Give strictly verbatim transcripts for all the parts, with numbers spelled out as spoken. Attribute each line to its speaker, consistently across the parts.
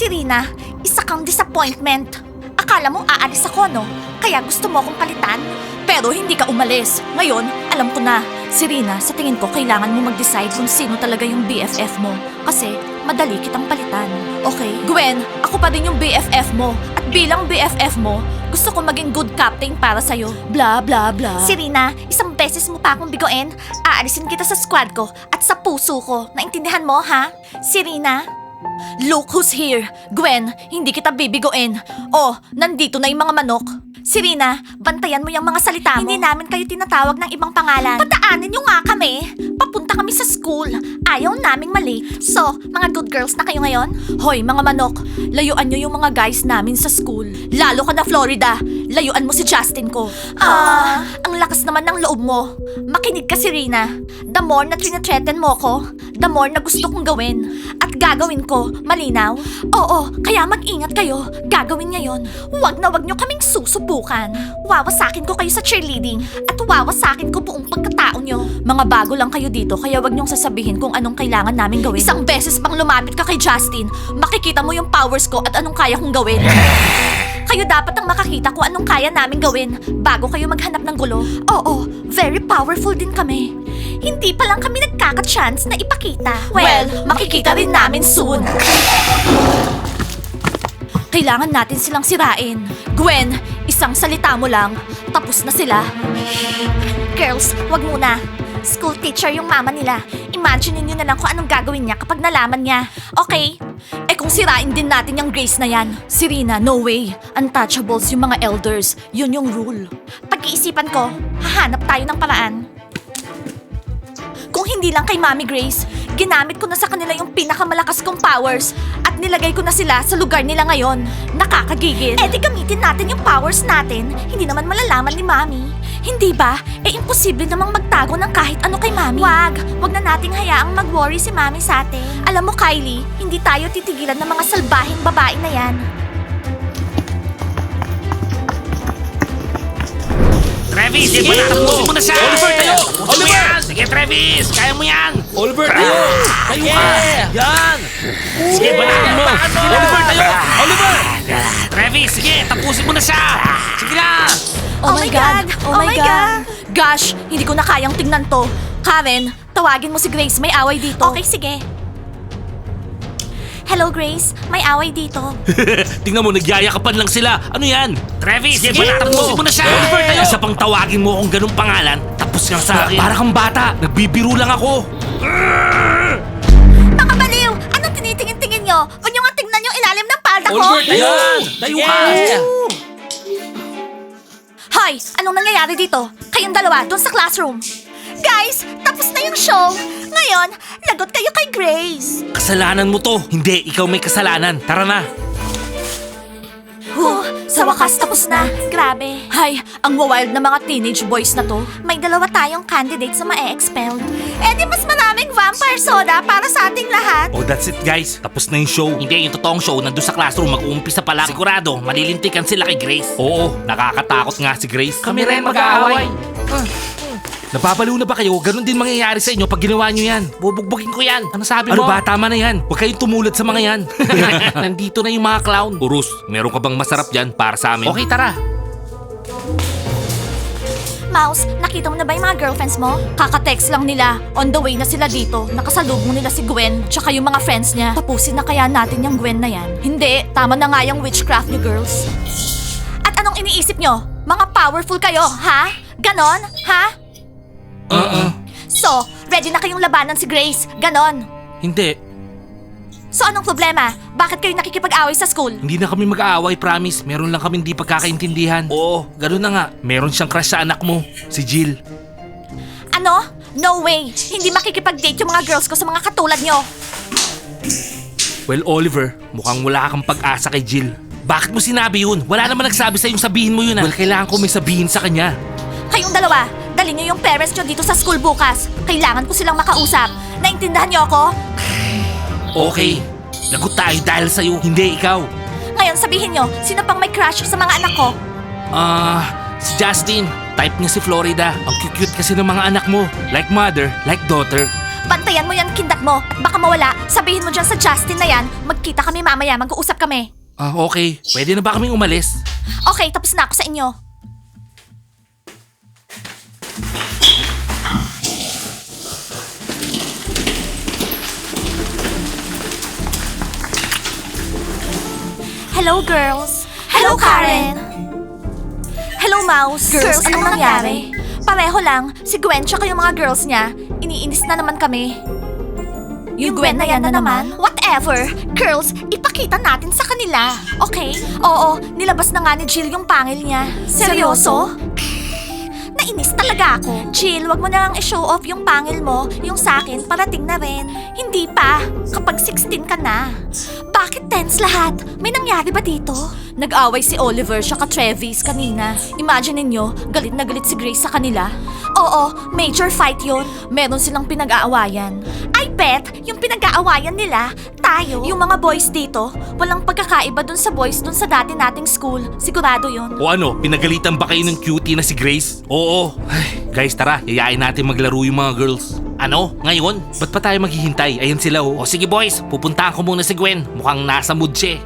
Speaker 1: Serena, isa kang disappointment. Akala mo aalis ako, no? Kaya gusto mo akong palitan? Pero hindi ka umalis. Ngayon, alam ko na. Serena, sa tingin ko kailangan mo mag-decide kung sino talaga yung B F F mo. Kasi madali kitang palitan. Okay? Gwen, ako pa din yung B F F mo. At bilang B F F mo, gusto ko maging good captain para sa'yo. Blah, blah, blah. Serena, isang beses mo pa akong bigoin. Aalisin kita sa squad ko at sa puso ko. Naintindihan mo, ha? Serena? Look who's here. Gwen, hindi kita bibigoin. Oh, nandito na yung mga manok. Serena, bantayan mo yung mga salita mo. Hindi namin kayo tinatawag ng ibang pangalan. Padaanin nyo nga kami. Papunta kami sa school. Ayaw naming mali. So, mga good girls na kayo ngayon? Hoy, mga manok, layuan nyo yung mga guys namin sa school. Lalo ka na, Florida. Layuan mo si Justin ko. Ah, ang lakas naman ng loob mo. Makinig ka, Serena. The more na trinatreaten mo ko, the more na gusto kong gawin. At gagawin ko, malinaw? Oo, kaya mag-ingat kayo. Gagawin niya yon. Huwag na wag nyo kaming susubukan. Wawasakin ko kayo sa cheerleading at wawasakin ko buong pagkatao nyo. Mga bago lang kayo dito, kaya wag nyong sasabihin kung anong kailangan namin gawin. Isang beses pang lumapit ka kay Justin, makikita mo yung powers ko at anong kaya kong gawin. Kayo dapat ang makakita kung anong kaya namin gawin bago kayo maghanap ng gulo. Oo, very powerful din kami. Hindi pa lang kami nagkaka-chance na ipakita. Well, makikita rin namin soon. Kailangan natin silang sirain. Gwen, isang salita mo lang, tapos na sila. Girls, wag muna. School teacher yung mama nila. Imagine niyo na lang kung anong gagawin niya kapag nalaman niya. Okay? Eh kung sirain din natin yung Grace na yan. Serena, no way. Untouchables yung mga elders. Yun yung rule. Pag-iisipan ko, hahanap tayo ng paraan. Kung hindi lang kay Mami Grace, ginamit ko na sa kanila yung pinakamalakas kong powers at nilagay ko na sila sa lugar nila ngayon. Nakakagigil. Eh di gamitin natin yung powers natin. Hindi naman malalaman ni Mami. Hindi ba? Eh imposible namang magtago ng kahit ano kay Mami. Wag, wag na nating hayaang mag-worry si Mami sa atin. Alam mo Kylie, hindi tayo titigilan ng mga salbahing babae na yan.
Speaker 2: Travis, sige, tapusin mo na siya!
Speaker 3: Oliver, tayo!
Speaker 2: Tapusin mo
Speaker 3: Oliver!
Speaker 2: yan! Sige, Travis! Kaya mo yan!
Speaker 3: Oliver, tayo! Tayo ka! Yan!
Speaker 2: Sige, banatan mo!
Speaker 3: Oliver, tayo! Oliver!
Speaker 2: Travis, sige, tapusin mo na siya! Sige na!
Speaker 1: Oh, my God! Oh, my God! Gosh, hindi ko na kayang tingnan to. Karen, tawagin mo si Grace, may away dito. Okay, sige. Hello, Grace. May away dito.
Speaker 3: Tingnan mo, nagyayakapan lang sila. Ano yan?
Speaker 2: Travis, sige,
Speaker 3: Sige,
Speaker 2: tapusin mo na siya!
Speaker 3: Oliver, tayo!
Speaker 2: Isa pang tawagin mo kung ganung pangalan, tapos nga sa akin.
Speaker 3: Para kang bata. Nagbibiro lang ako.
Speaker 1: Mga baliw! Anong tinitingin-tingin nyo? Huwag nyo nga tingnan yung ilalim ng palda ko.
Speaker 3: Oliver, tayo! Tayo ka!
Speaker 1: Hoy! Anong nangyayari dito? Kayong dalawa, dun sa classroom. Guys, tapos na yung show. Ngayon, lagot kayo kay Grace.
Speaker 3: Kasalanan mo to. Hindi, ikaw may kasalanan. Tara na.
Speaker 1: Huh, sa wakas tapos na. Grabe. Hay, ang wild na mga teenage boys na to. May dalawa tayong candidates na ma-expelled. Eh di mas maraming vampire soda para sa ating lahat.
Speaker 3: Oh, that's it guys. Tapos na yung show.
Speaker 2: Hindi, yung totoong show, nandun sa classroom, mag-uumpisa pa lang. Sigurado, malilintikan sila kay Grace.
Speaker 3: Oo, nakakatakot nga si Grace.
Speaker 2: Kami rin mag-aaway.
Speaker 3: Napapaliw na ba kayo? Ganon din mangyayari sa inyo pag ginawa nyo yan.
Speaker 2: Bubugbugin ko yan. Ano sabi
Speaker 3: Ano
Speaker 2: mo?
Speaker 3: ba? Tama na yan. Huwag kayong tumulad sa mga yan.
Speaker 2: Nandito na yung mga clown.
Speaker 3: Urus, meron ka bang masarap dyan para sa amin?
Speaker 2: Okay, tara.
Speaker 1: Mouse, nakita mo na ba yung mga girlfriends mo? Kaka-text lang nila. On the way na sila dito. Nakasalubong nila si Gwen, tsaka yung mga friends niya. Tapusin na kaya natin yung Gwen na yan. Hindi, tama na nga yung witchcraft niyo, girls. At anong iniisip nyo? Mga powerful kayo, ha? Ganon, ha?
Speaker 3: Uh-uh.
Speaker 1: So, ready na kayong labanan si Grace? Ganon.
Speaker 3: Hindi.
Speaker 1: So, anong problema? Bakit kayo nakikipag-away sa school?
Speaker 3: Hindi na kami mag-aaway, promise. Meron lang kami hindi pagkakaintindihan. Oo, gano'n na nga. Meron siyang crush sa anak mo, si Jill.
Speaker 1: Ano? No way! Hindi makikipag-date yung mga girls ko sa mga katulad nyo.
Speaker 3: Well, Oliver, mukhang wala kang pag-asa kay Jill. Bakit mo sinabi yun? Wala naman nagsabi sa'yong sabihin mo yun ah. Well, kailangan ko may sabihin sa kanya.
Speaker 1: Kayong dalawa, dali nyo yung parents nyo dito sa school bukas. Kailangan ko silang makausap. Naintindahan nyo ako?
Speaker 3: Okay, lagot tayo dahil sa'yo, hindi ikaw.
Speaker 1: Ngayon sabihin nyo, sino pang may crush sa mga anak ko?
Speaker 3: Ah, si Justin. Type niya si Florida. Ang cute-cute kasi ng mga anak mo. Like mother, like daughter.
Speaker 1: bantayan mo yan kindat mo. At baka mawala, sabihin mo dyan sa Justin na yan, magkita kami mamaya, mag-uusap kami.
Speaker 3: Ah, okay. Pwede na ba kaming umalis?
Speaker 1: Okay, tapos na ako sa inyo. Hello, girls. Hello, Karen. Hello, Mouse. Girls, anong nangyari? Pareho lang. Si Gwen tsaka yung mga girls niya. Iniinis na naman kami. Yung Gwen na yan na naman? Whatever. Girls, ipakita natin sa kanila. Okay? Oo, nilabas na nga ni Jill yung pangil niya. Seryoso? Nainis talaga ako. Jill, wag mo na lang i-show off yung pangil mo. Yung sa akin, parating na rin. Hindi pa. Kapag sixteen ka na. Bakit tense lahat? May nangyari ba dito? Nag-away si Oliver siya ka Travis kanina. Imagine ninyo, galit na galit si Grace sa kanila. Oo, major fight yon. Meron silang pinag-aawayan. I bet, yung pinag-aawayan nila, tayo. Yung mga boys dito, walang pagkakaiba dun sa boys dun sa dati nating school. Sigurado yon.
Speaker 3: O ano, pinagalitan ba kayo ng cutie na si Grace? Oo. Ay, guys, tara, yayain natin maglaro yung mga girls.
Speaker 2: Ano? Ngayon?
Speaker 3: Ba't pa tayo maghihintay? Ayan sila oh.
Speaker 2: O sige boys, pupuntahan ko muna si Gwen. Mukhang nasa mood siya eh.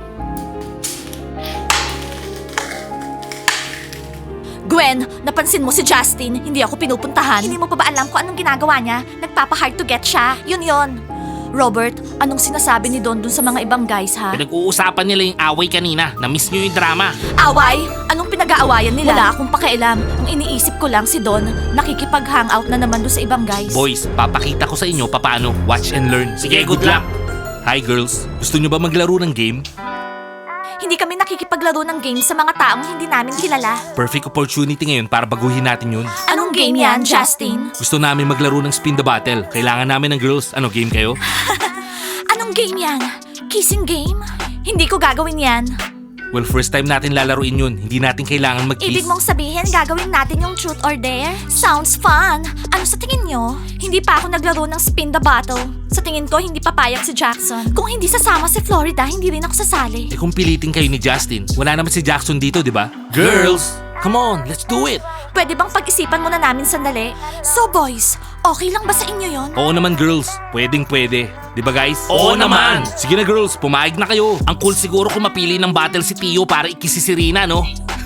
Speaker 1: Gwen, napansin mo si Justin, hindi ako pinupuntahan. Hindi mo pa ba alam kung anong ginagawa niya? Nagpapa-hard to get siya. Yun yon. Robert, anong sinasabi ni Don dun sa mga ibang guys ha?
Speaker 2: Pinag-uusapan nila yung away kanina. Na-miss nyo yung drama.
Speaker 1: Away? Anong pinag-aawayan nila? Wala akong pakialam. Ang iniisip ko lang si Don, nakikipag-hangout na naman doon sa ibang guys.
Speaker 3: Boys, papakita ko sa inyo papaano watch and learn.
Speaker 2: Sige, good luck.
Speaker 3: Hi girls, gusto nyo ba maglaro ng game?
Speaker 1: Hindi kami nakikipaglaro ng games sa mga taong hindi namin kilala.
Speaker 3: Perfect opportunity ngayon para baguhin natin yun.
Speaker 1: Anong game yan, Justin?
Speaker 3: Gusto namin maglaro ng spin the bottle. Kailangan namin ng girls. Ano, game kayo?
Speaker 1: Anong game yan? Kissing game? Hindi ko gagawin yan.
Speaker 3: Well, first time natin lalaruin yun. Hindi natin kailangan mag-kiss.
Speaker 1: Ibig mong sabihin, gagawin natin yung truth or dare? Sounds fun! Ano sa tingin nyo? Hindi pa ako naglaro ng spin the bottle. Sa tingin ko, hindi papayag si Jackson. Kung hindi sasama si Florida, hindi rin ako sasali.
Speaker 3: Eh kung pilitin kayo ni Justin, wala naman si Jackson dito, di ba? Girls! Come on, let's do it!
Speaker 1: Pwede bang pag-isipan muna namin sandali? So boys, okay lang ba sa inyo yon?
Speaker 3: Oo naman girls, pwedeng pwede. Di ba guys?
Speaker 2: Oo naman.
Speaker 3: Sige na girls, pumayag na kayo.
Speaker 2: Ang cool siguro kung mapili ng battle si Tio para ikisi si Rina, no?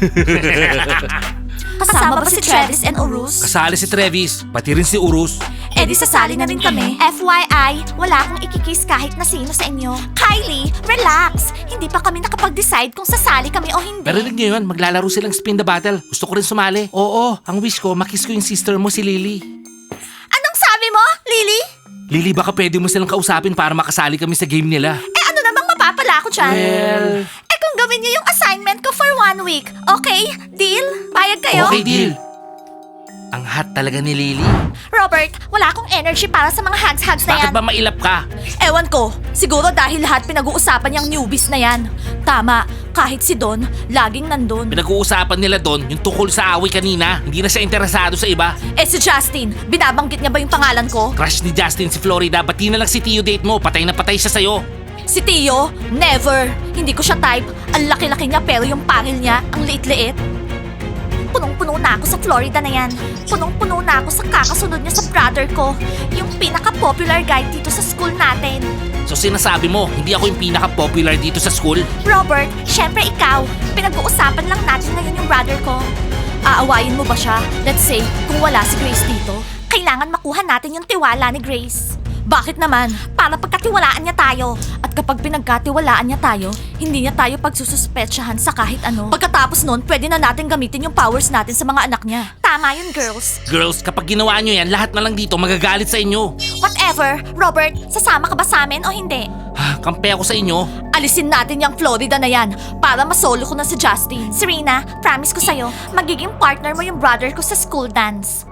Speaker 1: Kasama ba si Travis and Urus?
Speaker 3: Kasali si Travis, pati rin si Urus.
Speaker 1: Eh di sasali na rin kami. F Y I, wala akong ikikiss kahit na sino sa inyo. Kylie, relax! Hindi pa kami nakapag-decide kung sasali kami o hindi.
Speaker 3: Narinig niyo yun, maglalaro silang spin the battle. Gusto ko rin sumali. Oo, ang wish ko, makiss ko yung sister mo si Lily.
Speaker 1: Anong sabi mo, Lily?
Speaker 3: Lily, baka pwede mo silang kausapin para makasali kami sa game nila.
Speaker 1: Eh ano namang mapapala ko dyan?
Speaker 3: Well...
Speaker 1: Eh kung gawin niyo yung assignment ko for one week, okay? Deal? Bayad kayo?
Speaker 3: Okay, deal. Ang hot talaga ni Lily.
Speaker 1: Robert, wala akong energy para sa mga hugs-hugs na
Speaker 2: Bakit
Speaker 1: yan.
Speaker 2: ba mailap ka?
Speaker 1: Ewan ko, siguro dahil lahat pinag-uusapan yung newbies na yan. Tama, kahit si Don, laging nandun.
Speaker 2: Pinag-uusapan nila doon yung tukol sa away kanina. Hindi na siya interesado sa iba.
Speaker 1: Eh si Justin, binabanggit niya ba yung pangalan ko?
Speaker 2: Crush ni Justin si Florida, ba't di na lang si Tio date mo? Patay na patay siya sa'yo.
Speaker 1: Si Tio, never. Hindi ko siya type. Ang laki-laki niya pero yung pangil niya, ang liit-liit. Punong-puno na ako sa Florida na yan. Punong-puno na ako sa kakasunod niya sa brother ko. Yung pinaka-popular guy dito sa school natin.
Speaker 2: So sinasabi mo, hindi ako yung pinaka-popular dito sa school?
Speaker 1: Robert, syempre ikaw. Pinag-uusapan lang natin ngayon yung brother ko. Aawayin mo ba siya? Let's say, kung wala si Grace dito, kailangan makuha natin yung tiwala ni Grace. Bakit naman? Para pagkatiwalaan niya tayo. At kapag pinagkatiwalaan niya tayo, hindi niya tayo pagsususpetsyahan sa kahit ano. Pagkatapos nun, pwede na natin gamitin yung powers natin sa mga anak niya. Tama yun, girls.
Speaker 2: Girls, kapag ginawa nyo yan, lahat na lang dito magagalit sa inyo.
Speaker 1: Whatever. Robert, sasama ka ba sa amin o hindi?
Speaker 2: Ah, kampe ako sa inyo.
Speaker 1: Alisin natin yung Florida na yan para masolo ko na si Justin. Serena, promise ko sa'yo, magiging partner mo yung brother ko sa school dance.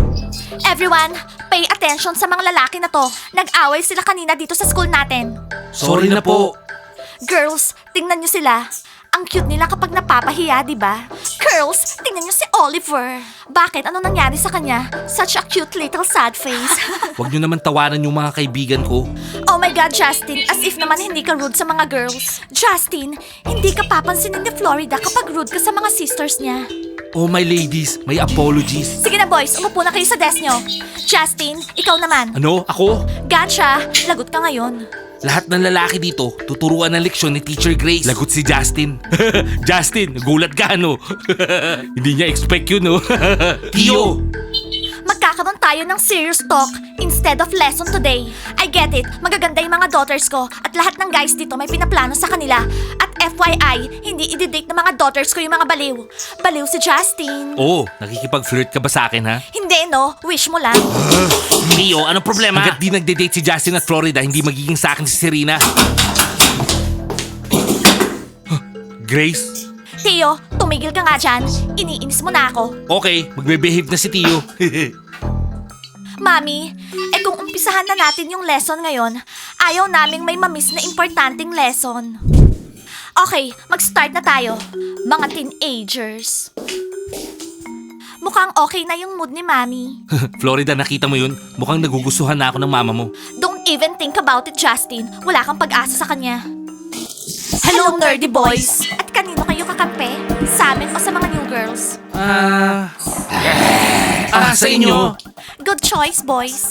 Speaker 1: Everyone, pay attention sa mga lalaki na to. Nag-away sila kanina dito sa school natin.
Speaker 3: Sorry na po.
Speaker 1: Girls, tingnan nyo sila. Ang cute nila kapag napapahiya, di ba? Girls, tingnan nyo si Oliver. Bakit? Ano nangyari sa kanya? Such a cute little sad face.
Speaker 3: Huwag niyo naman tawanan yung mga kaibigan ko.
Speaker 1: Oh my God, Justin, as if naman hindi ka rude sa mga girls. Justin, hindi ka papansinin ni Florida kapag rude ka sa mga sisters niya.
Speaker 3: Oh my ladies, may apologies.
Speaker 1: Sige na boys, umupo na kayo sa desk nyo. Justin, ikaw naman.
Speaker 3: Ano? Ako?
Speaker 1: Gotcha, lagot ka ngayon.
Speaker 3: Lahat ng lalaki dito, tuturuan ng leksyon ni Teacher Grace. Lagot si Justin. Justin, gulat ka, no? Hindi niya expect yun, no? Tio!
Speaker 1: Magkakaroon tayo ng serious talk instead of lesson today. I get it, magaganda yung mga daughters ko at lahat ng guys dito may pinaplano sa kanila. At F Y I, hindi i-date ng mga daughters ko yung mga baliw. Baliw si Justin.
Speaker 3: Oh, nakikipag-flirt ka ba sa akin, ha?
Speaker 1: Hindi no, wish mo lang.
Speaker 2: Tio, anong problema?
Speaker 3: Hanggat di nagde-date si Justin at Florida, hindi magiging sa akin si Serena. Grace?
Speaker 1: Tio, tumigil ka nga dyan. Iniinis mo na ako.
Speaker 3: Okay, magbe-behave na si Tio.
Speaker 1: Mami, eh kung umpisahan na natin yung lesson ngayon, ayaw naming may mamiss na importanteng lesson. Okay, mag-start na tayo. Mga teenagers. Mukhang okay na yung mood ni Mami.
Speaker 3: Florida, nakita mo yun? Mukhang nagugustuhan na ako ng mama mo.
Speaker 1: Don't even think about it, Justin. Wala kang pag-asa sa kanya. Hello, nerdy boys! At kanino kayo kakampi? Sa amin o sa mga new girls?
Speaker 3: Ah... ah, sa inyo.
Speaker 1: Good choice, boys.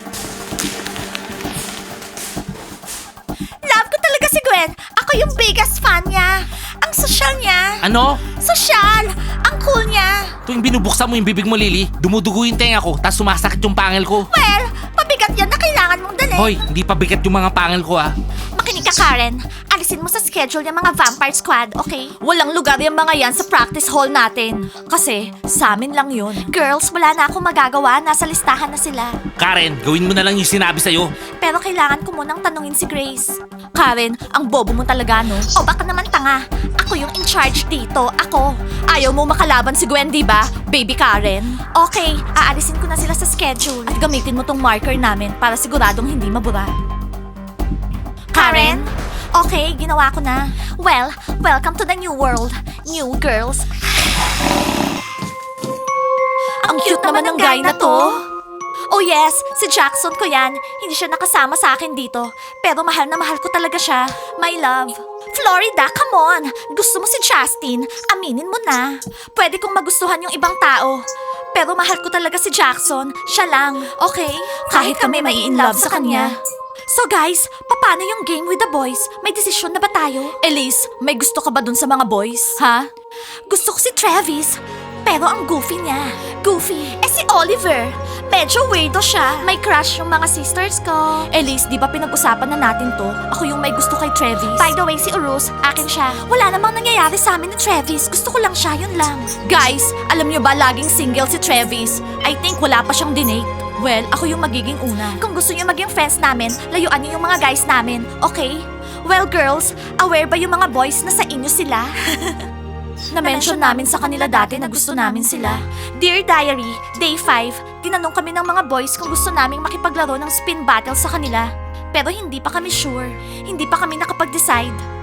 Speaker 1: Love ko talaga si Gwen. Ako yung biggest fan niya. Ang sosyal niya.
Speaker 3: Ano?
Speaker 1: Sosyal! Ang cool niya.
Speaker 3: Tuwing binubuksan mo yung bibig mo, Lily, dumudugo yung tenga ko, tapos sumasakit yung pangil ko.
Speaker 1: Well, mabigat yan na kailangan mong dalhin.
Speaker 3: Hoy, hindi pa bigat yung mga pangil ko, ah.
Speaker 1: Makinig ka, Karen. Alisin mo sa schedule yung mga Vampire Squad, okay? Walang lugar yung mga yan sa practice hall natin. Kasi, sa amin lang yun. Girls, wala na akong magagawa. Nasa listahan na sila.
Speaker 3: Karen, gawin mo na lang yung sinabi sa'yo.
Speaker 1: Pero kailangan ko munang tanungin si Grace. Karen, ang bobo mo talaga, no? O baka naman tanga. Ako yung in charge dito. Ako. Ayaw mo makalaban si Gwen, di ba? Baby Karen. Okay, aalisin ko na sila sa schedule. At gamitin mo tong marker namin para siguradong hindi mabura. Karen? Okay, ginawa ko na. Well, welcome to the new world. New girls. Ang cute naman ng guy na to. Oh yes, si Jackson ko yan. Hindi siya nakasama sa akin dito. Pero mahal na mahal ko talaga siya. My love. Florida, come on! Gusto mo si Justin? Aminin mo na. Pwede kong magustuhan yung ibang tao. Pero mahal ko talaga si Jackson. Siya lang, okay? Kahit kami may in love sa kanya. So guys, paano yung game with the boys? May desisyon na ba tayo? Elise, may gusto ka ba dun sa mga boys? Ha? Gusto ko si Travis. Pero ang goofy niya. Goofy? Eh si Oliver. Medyo weirdo siya. May crush yung mga sisters ko. Elise, di ba pinag-usapan na natin to? Ako yung may gusto kay Travis. By the way, si Urus, akin siya. Wala namang nangyayari sa amin ni Travis. Gusto ko lang siya, yun lang. Guys, alam niyo ba laging single si Travis? I think wala pa siyang dinate. Well, ako yung magiging una. Kung gusto niyo maging friends namin, layuan niyo yung mga guys namin, okay? Well, girls, aware ba yung mga boys na sa inyo sila? Na-mention namin sa kanila dati na gusto namin sila. Dear Diary, Day five, tinanong kami ng mga boys kung gusto naming makipaglaro ng spin battle sa kanila. Pero hindi pa kami sure. Hindi pa kami nakapag-decide.